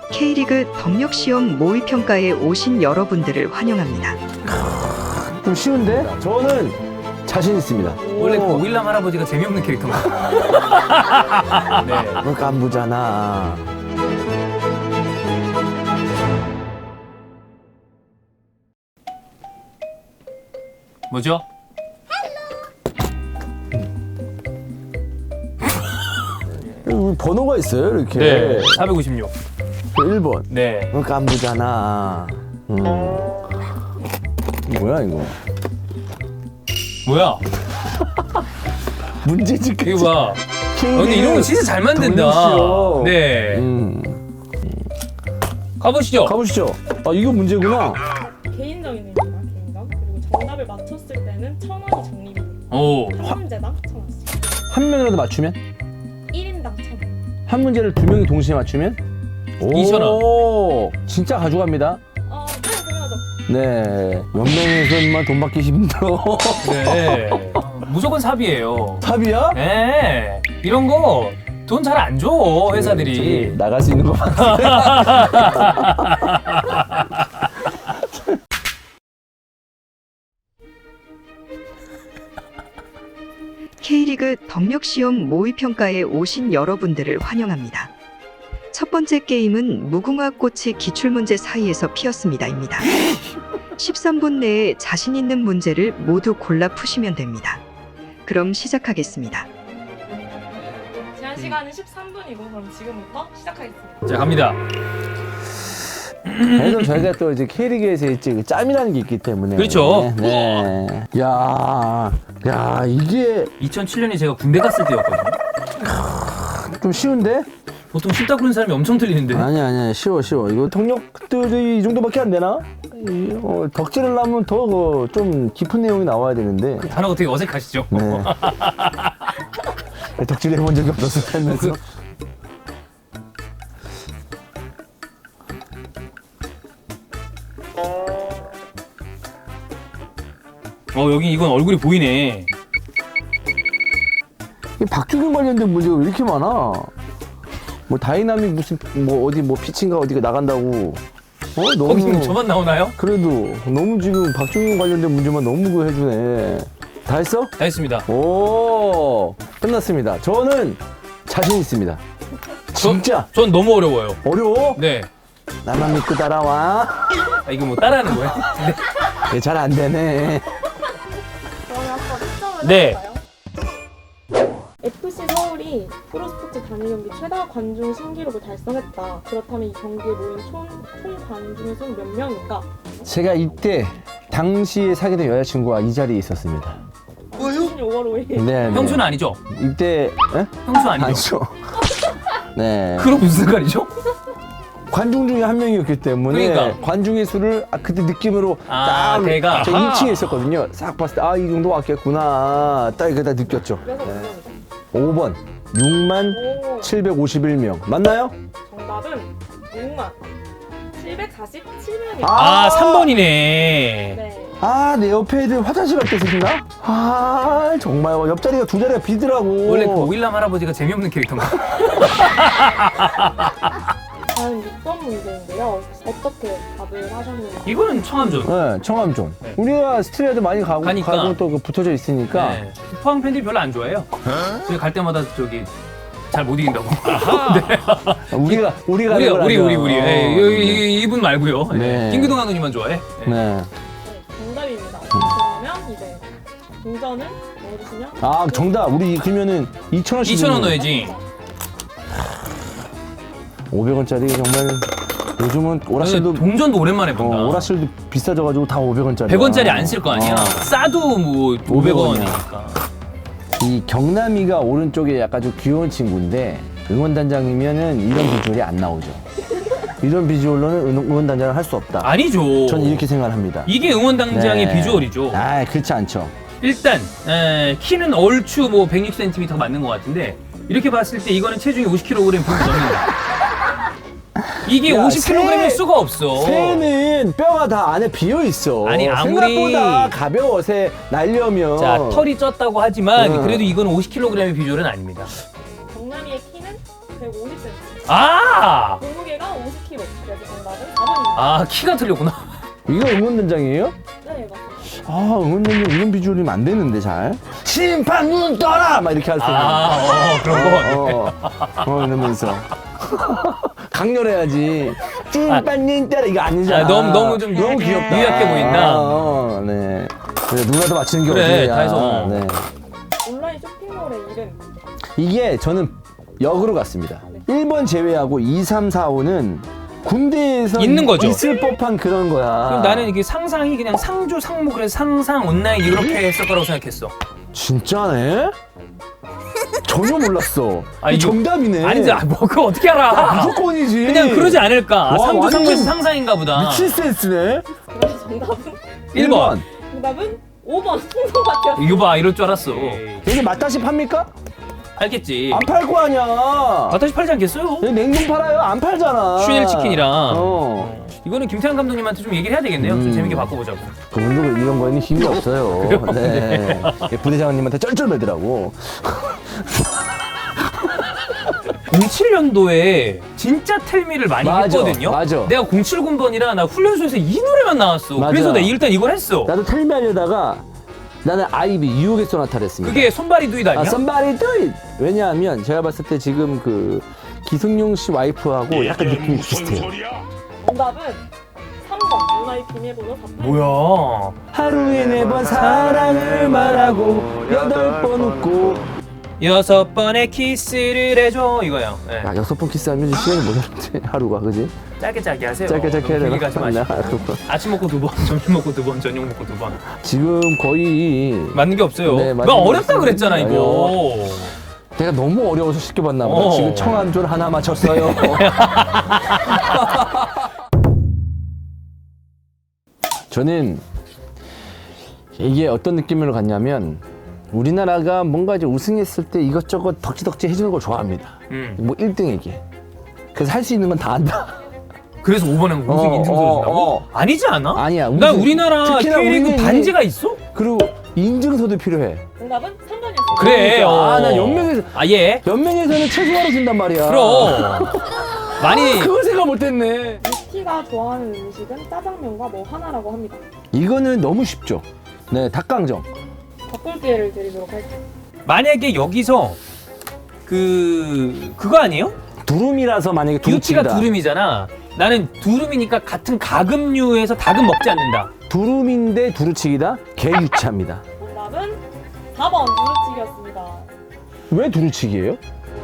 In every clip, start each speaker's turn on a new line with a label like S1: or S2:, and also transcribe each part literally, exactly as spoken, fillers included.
S1: K리그 덕력시험 모의평가에 오신 여러분들을 환영합니다.
S2: 좀 쉬운데? 저는 자신 있습니다.
S3: 원래 그 오일남 할아버지가 재미없는 캐릭터인가? 네.
S2: 너 깐부잖아.
S3: 뭐죠?
S2: 여기 번호가 있어요, 이렇게.
S3: 네. 사백오십육.
S2: 일 번.
S3: 네.
S2: 너 깐부잖아. 음. 뭐야, 이거?
S3: 뭐야?
S2: 문제집까지.
S3: 이거 봐. 어, 근데 이런 거 진짜 잘 만든다.
S2: 덕력시험.
S3: 네.
S2: 음.
S3: 가보시죠.
S2: 가보시죠. 아, 이거 문제구나.
S4: 개인적인 의미가 개인적. 그리고 정답을 맞췄을 때는 천 원이 적립이 돼요.
S3: 오.
S4: 한 문제당 천 원씩.
S2: 한 명이라도 맞추면?
S4: 일 인당 천 원.
S2: 한 문제를 두 명이 동시에 맞추면?
S3: 이천 원.
S2: 오, 진짜 가져갑니다.
S4: 어, 네, 당연하죠.
S2: 네. 연맹에서만 돈 받기 힘들어.
S3: 네. 무조건 삽이에요.
S2: 삽이야?
S3: 네. 이런 거 돈 잘 안 줘, 회사들이.
S2: 저기 나갈 수 있는 거 같아.
S1: K리그 덕력시험 모의평가에 오신 여러분들을 환영합니다. 첫 번째 게임은 무궁화 꽃이 기출문제 사이에서 피었습니다입니다. 십삼 분 내에 자신 있는 문제를 모두 골라 푸시면 됩니다. 그럼 시작하겠습니다.
S4: 제한 시간은 십삼 분이고 그럼 지금부터 시작하겠습니다.
S3: 자, 갑니다.
S2: 그래도 저희가 또 이제 K리그에서 있지 그 짬이라는 게 있기 때문에.
S3: 그렇죠.
S2: 네. 네. 야, 야 이게
S3: 이천칠 년에 제가 군대 갔을 때였거든요.
S2: 좀 쉬운데?
S3: 보통 쉽다 그러는 사람이 엄청 틀리는데.
S2: 아니 아니 쉬워 쉬워. 이거 동력들이 이 정도밖에 안 되나? 이, 어, 덕질을 하면 더 좀 깊은 내용이 나와야 되는데.
S3: 단어가 되게 어색하시죠?
S2: 네. 덕질 해본 적이 없어서 하면서.
S3: 그- 어, 여기 이건 얼굴이 보이네.
S2: 이 박주경 관련된 문제가 왜 이렇게 많아? 뭐 다이나믹 무슨 뭐 어디 뭐 피칭가 어디가 나간다고. 어
S3: 거기는
S2: 너무
S3: 저만 나오나요?
S2: 그래도 너무 지금 박주경 관련된 문제만 너무 그 해주네. 다 했어?
S3: 다 했습니다.
S2: 오 끝났습니다. 저는 자신 있습니다. 진짜
S3: 전 너무 어려워요.
S2: 어려워?
S3: 네.
S2: 나만 믿고 따라와.
S3: 아, 이거 뭐 따라하는 거예요? 네.
S2: 잘 안 되네.
S4: 그러면 한번 특정을
S3: 네.
S4: 해볼까요? 에프씨 서울이 프로스포츠 단일 경기 최다 관중 신기록을 달성했다. 그렇다면 이 경기에 모인 총, 총 관중의 수는 몇 명인가?
S2: 제가 이때 당시에 사귀던 여자친구가 이 자리에 있었습니다.
S4: 오월 오일.
S2: 네, 네.
S3: 형수는 아니죠?
S2: 이때 에?
S3: 형수 아니죠?
S2: 아니죠. 네.
S3: 그럼 무슨 색깔이죠?
S2: 관중 중에 한 명이었기 때문에
S3: 그러니까.
S2: 관중의 수를 아, 그때 느낌으로
S3: 아,
S2: 딱
S3: 걔가.
S2: 제가
S3: 아하.
S2: 이 층에 있었거든요. 싹 봤을 때 아 이 정도 왔겠구나. 딱 이거 다 느꼈죠.
S4: 그래서 몇
S2: 네.
S4: 명이죠?
S2: 오 번 육만
S4: 오,
S2: 칠백오십일 명 맞나요?
S4: 정답은 육만 칠백사십칠 명입니다.
S3: 아, 삼 번이네.
S4: 네.
S2: 아 내 옆에 애들 화장실 갈 때 쓰시나? 아 정말 옆자리가 두 자리가 비더라고.
S3: 원래 그 오일남 할아버지가 재미없는 캐릭터인가?
S4: 다음 육 번 문제인데요. 어떻게 답을 하셨는지.
S3: 이거는 청암전.
S2: 네, 청암종.
S3: 네.
S2: 우리가 스트레이트 많이 가고
S3: 가니까.
S2: 가고 또 그 붙어져 있으니까.
S3: 네. 포항 팬들이 별로 안 좋아해요. 저희 갈 때마다 저기 잘 못 이긴다고.
S2: 우리가 우리가
S3: 우리
S2: 그걸
S3: 우리
S2: 하죠.
S3: 우리 우리.
S2: 어.
S3: 예, 이- 이- 이분 말고요.
S2: 네.
S3: 네. 김기동 감독님만 좋아해. 네.
S2: 네.
S4: 네, 정답입니다. 그러면 이제 동전을 넣어주시면.
S2: 아 정답. 우리 그러면은 이천 원씩.
S3: 이천 원 넣어야지.
S2: 오백 원짜리 정말 요즘은 오락실도
S3: 동전도 오랜만에 본다.
S2: 어, 오락실도 비싸져가지고 다 오백 원짜리.
S3: 백 원짜리 안 쓸 거 아니야.
S2: 어.
S3: 싸도 뭐 오백 원이니까.
S2: 이 경남이가 오른쪽에 약간 좀 귀여운 친구인데 응원단장이면은 이런 비주얼이 안 나오죠. 이런 비주얼로는 응- 응원단장을 할 수 없다.
S3: 아니죠.
S2: 전 이렇게 생각합니다.
S3: 이게 응원당장의
S2: 네.
S3: 비주얼이죠.
S2: 아 그렇지 않죠.
S3: 일단 에, 키는 얼추 뭐 백육 센티미터가 맞는 것 같은데 이렇게 봤을 때 이거는 체중이 오십 킬로그램 분이 넘는다. 이게
S2: 야,
S3: 오십 킬로그램일
S2: 새-
S3: 수가 없어.
S2: 새는 뼈가 다 안에 비어 있어.
S3: 아니, 아무리-
S2: 생각보다 가벼워 새 날려면.
S3: 자, 털이 쪘다고 하지만
S2: 응.
S3: 그래도 이건 오십 킬로그램의 비주얼은 아닙니다.
S4: 경남이의 키는 백오십 센티미터.
S3: 아!
S4: 몸무게가 오십 킬로그램. 킬로그램. 그래서 정답은 사 번입니다.
S3: 아 키가 틀렸구나.
S2: 이거 응원단장이에요?
S4: 네, 맞습니다.
S2: 아, 응원단장 이런 비주얼이면 안 되는데 잘. 심판 눈 떠라! 막 이렇게 할 수 있는.
S3: 아 어, 그런 거.
S2: 어, 어, 어, 이러면서. 강렬해야지. 심판 눈 떠라! 이거 아니잖아.
S3: 아, 너무 너무 좀
S2: 너무 귀엽다.
S3: 유약해 보인다.
S2: 아, 어, 네. 그래, 누가 더 맞히는 게
S3: 그래,
S2: 어디야.
S3: 다 해서.
S2: 네.
S4: 온라인 쇼핑몰의 이름.
S2: 이게 저는 역으로 갔습니다. 일 번 제외하고 이, 삼, 사, 오는 군대에서
S3: 있는 거죠.
S2: 있을 법한 그런 거야.
S3: 그럼 나는 이게 상상이 그냥 상주 상무 그래서 상상 온라인 이렇게 했을 거라고 생각했어.
S2: 진짜네? 전혀 몰랐어.
S3: 아,
S2: 이
S3: 이거-
S2: 정답이네.
S3: 아니지, 아, 뭐 그거 어떻게 알아?
S2: 무조건이지.
S3: 그냥 그러지 않을까? 아,
S2: 와,
S3: 상주
S2: 완전
S3: 상무에서 상상인가 보다.
S2: 미친 센스네.
S4: 그래서 정답은
S3: 일 번.
S4: 정답은 오 번 풍선밭이었습니다.
S3: 이거 봐, 이럴 줄 알았어.
S2: 여기 맛다시 팝니까?
S3: 알겠지.
S2: 안 팔 거 아니야.
S3: 아다시 팔지 않겠어요?
S2: 여기 냉동 팔아요? 안 팔잖아.
S3: 슈넬 치킨이랑.
S2: 어.
S3: 이거는 김태형 감독님한테 좀 얘기를 해야 되겠네요. 좀
S2: 음.
S3: 재밌게 바꿔보자고.
S2: 그분도 이런 거에는 힘이 없어요. 네. 부대장님한테 쩔쩔매더라고.
S3: 공칠 년도에 진짜 텔미를 많이
S2: 맞아,
S3: 했거든요.
S2: 맞아.
S3: 내가 공칠 군번이라 나 훈련소에서 이 노래만 나왔어.
S2: 맞아.
S3: 그래서 내가 일단 이걸 했어.
S2: 나도 텔미 하려다가 나는 아이비 유혹의 소나타를 했습니다.
S3: 그게 손발이 두잇 아니야?
S2: 아, somebody do it. 왜냐하면 제가 봤을 때 지금 그 기승용 씨 와이프하고 약간 느낌이 비슷해요.
S4: 정답은 삼 번 누나의 비밀번호 사 번.
S3: 뭐야?
S2: 하루에 네 번 사랑을 말하고 여덟 번 웃고.
S3: 여섯 번의 키스를 해줘 이거야. 네.
S2: 야, 여섯 번 키스하면 시간이 모자란데 하루가 그지?
S3: 짧게 짧게 하세요.
S2: 짧게 짧게 해야
S3: 너무
S2: 되나?
S3: 길게 가지 마시고.
S2: 나 그거.
S3: 아침 먹고 두 번, 점심 먹고 두 번, 저녁 먹고 두 번.
S2: 지금 거의
S3: 맞는 게 없어요.
S2: 네,
S3: 나
S2: 맞는 게
S3: 어렵다
S2: 없어요.
S3: 그랬잖아 이거.
S2: 내가 너무 어려워서 시켜봤나 보다.
S3: 어.
S2: 지금 청안졸 하나 맞췄어요. 저는 이게 어떤 느낌으로 갔냐면 우리나라가 뭔가 이제 우승했을 때 이것저것 덕지덕지 해주는 걸 좋아합니다.
S3: 음.
S2: 뭐 일 등에게. 그래서 할 수 있는 건 다 한다.
S3: 그래서 오 번에 우승
S2: 어,
S3: 인증서
S2: 어,
S3: 준다고?
S2: 어.
S3: 아니지 않아?
S2: 아니야,
S3: 나
S2: 우승-
S3: 우리나라
S2: 특히나
S3: K리그
S2: 우리는
S3: 반지가 있어?
S2: 그리고 인증서도 필요해.
S4: 정답은 삼 번이었습니다.
S3: 그래. 어.
S2: 아, 나 연맹에서
S3: 아 예.
S2: 연맹에서는 최소화로 준단 말이야.
S3: 그럼. 많이
S2: 그걸 생각 못했네.
S4: 유티가 좋아하는 음식은 짜장면과 뭐 하나라고 합니다.
S2: 이거는 너무 쉽죠. 네, 닭강정.
S4: 바꿀 기회를 드리도록 할게요.
S3: 만약에 여기서 그 그거 아니에요?
S2: 두rum이라서 만약에
S3: 유치가
S2: 두루치기다.
S3: 두rum이잖아. 나는 두rum이니까 같은 가금류에서 닭은 먹지 않는다.
S2: 두rum인데 두루치기다? 개유치합니다.
S4: 정답은 사 번 누르치기였습니다.
S2: 왜 두루치기예요?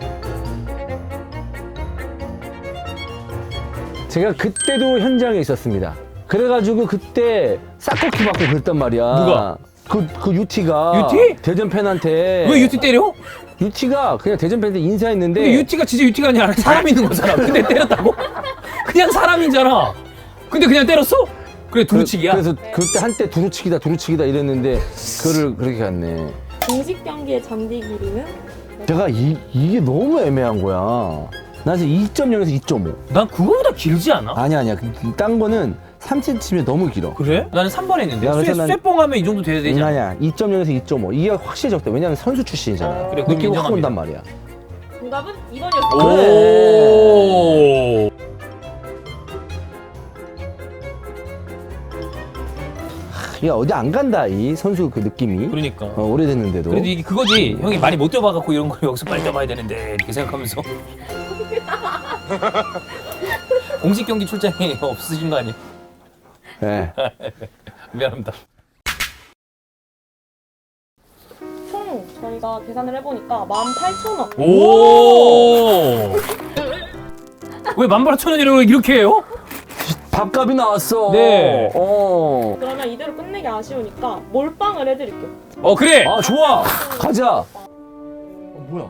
S2: 제가 그때도 현장에 있었습니다. 그래가지고 그때 싹코키 받고 그랬단 말이야.
S3: 누가?
S2: 그, 그 유티가.
S3: 유티?
S2: 대전 팬한테.
S3: 왜 유티 때려?
S2: 유티가 그냥 대전 팬한테 인사했는데.
S3: 근데 유티가 진짜 유티가 아니라 사람 있는 거잖아. 근데 때렸다고? 그냥 사람이잖아. 근데 그냥 때렸어? 그래 두루치기야.
S2: 그, 래서 그때 한때 두루치기다 두루치기다 이랬는데 그거를 그렇게 갔네.
S4: 공식 경기의 잔디 길이는
S2: 내가 이, 이게 너무 애매한 거야. 나 지금 이 점 영에서 이 점 오.
S3: 난 그거보다 길지 않아?
S2: 아니야 아니야. 딴 거는 삼 센티미터 너무 길어.
S3: 그래? 나는 삼 번 했는데.
S2: 야, 그래서
S3: 쇠,
S2: 난-
S3: 쇠뽕하면 이 정도 돼야 되지 않아?
S2: 아니야. 이 점 영에서 이 점 오. 이게 확실히 적다. 왜냐면 선수 출신이잖아.
S3: 그래, 그건
S2: 느끼고 확
S3: 인정합니다.
S2: 온단 말이야.
S4: 정답은 이 번이었습니다.
S3: 오.
S2: 야 어디 안 간다 이 선수 그 느낌이.
S3: 그러니까.
S2: 어, 오래됐는데도.
S3: 그래도 이게 그거지. 형이 많이 못 뛰어봐갖고 이런 걸 여기서 빨리 뛰어봐야 되는데 이렇게 생각하면서. 공식 경기 출장이 없으신 거 아니에요?
S2: 네.
S3: 미안합니다.
S4: 총 저희가 계산을 해보니까 만 팔천 원.
S3: 오. 왜 만팔천 원이라고 이렇게 해요?
S2: 밥값이 나왔어.
S3: 네.
S2: 어.
S4: 그러면 이대로 끝내기 아쉬우니까 몰빵을 해드릴게요.
S3: 어 그래.
S2: 아 좋아. 가자. 어, 뭐야?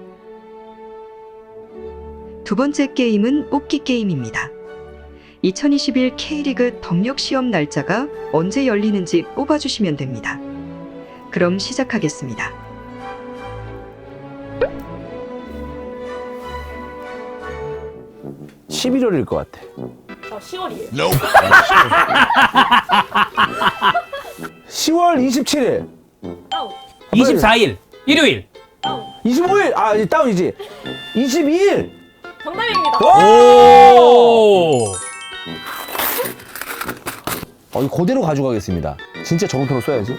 S1: 두 번째 게임은 뽑기 게임입니다. 이천이십일 K리그 덕력 시험 날짜가 언제 열리는지 뽑아주시면 됩니다. 그럼 시작하겠습니다.
S2: 십일월일 것 같아.
S4: 아, 시월이에요.
S2: 시월 이십칠일.
S4: 다운.
S3: 이십사 일 일요일.
S4: 다운.
S2: 이십오일. 아 이제 다운이지. 이십이일.
S4: 정답입니다.
S3: 오.
S2: 어, 이거 그대로 가져가겠습니다. 진짜 저금통을 써야지.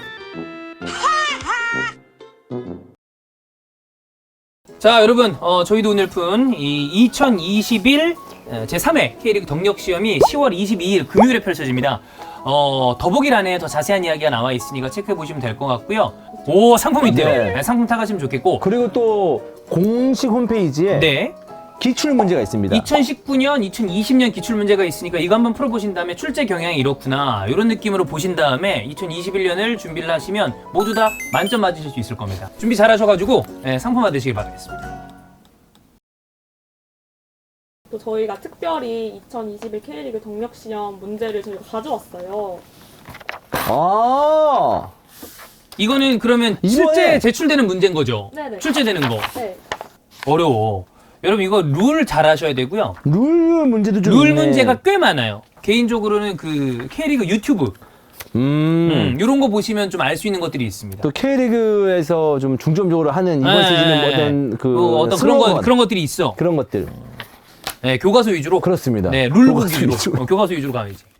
S3: 자, 여러분, 어, 저희도 오늘 푼 이 이천이십일 제삼 회 K리그 덕력 시험이 시월 이십이일 금요일에 펼쳐집니다. 어, 더보기란에 더 자세한 이야기가 나와 있으니까 체크해 보시면 될 것 같고요. 오, 상품 있대요.
S2: 네.
S3: 네, 상품 타가시면 좋겠고.
S2: 그리고 또 공식 홈페이지에
S3: 네.
S2: 기출 문제가 있습니다.
S3: 이천십구 년, 이천이십 년 기출 문제가 있으니까 이거 한번 풀어보신 다음에 출제 경향이 이렇구나 이런 느낌으로 보신 다음에 이천이십일 년을 준비를 하시면 모두 다 만점 맞으실 수 있을 겁니다. 준비 잘 하셔가지고 네, 상품 받으시길 바라겠습니다.
S4: 또 저희가 특별히 이천이십일 K리그 덕력 시험 문제를 저희가 가져왔어요.
S2: 아,
S3: 이거는 그러면
S2: 이번에-
S3: 실제 제출되는 문제인 거죠?
S4: 네네.
S3: 출제되는 거.
S4: 네.
S3: 어려워. 여러분 이거 룰 잘 하셔야 되고요.
S2: 룰 문제도 좀
S3: 룰
S2: 있네.
S3: 문제가 꽤 많아요. 개인적으로는 그 K리그 유튜브
S2: 음.
S3: 음, 이런 거 보시면 좀 알 수 있는 것들이 있습니다.
S2: 또 K리그에서 좀 중점적으로 하는 이번
S3: 네.
S2: 시즌에 어떤 그
S3: 뭐 어떤 그런 거
S2: 슬로건,
S3: 그런 것들이 있어.
S2: 그런 것들
S3: 네, 교과서 위주로.
S2: 그렇습니다.
S3: 네, 룰북
S2: 교과서
S3: 위주로.
S2: 위주로.
S3: 어, 교과서 위주로 가야지.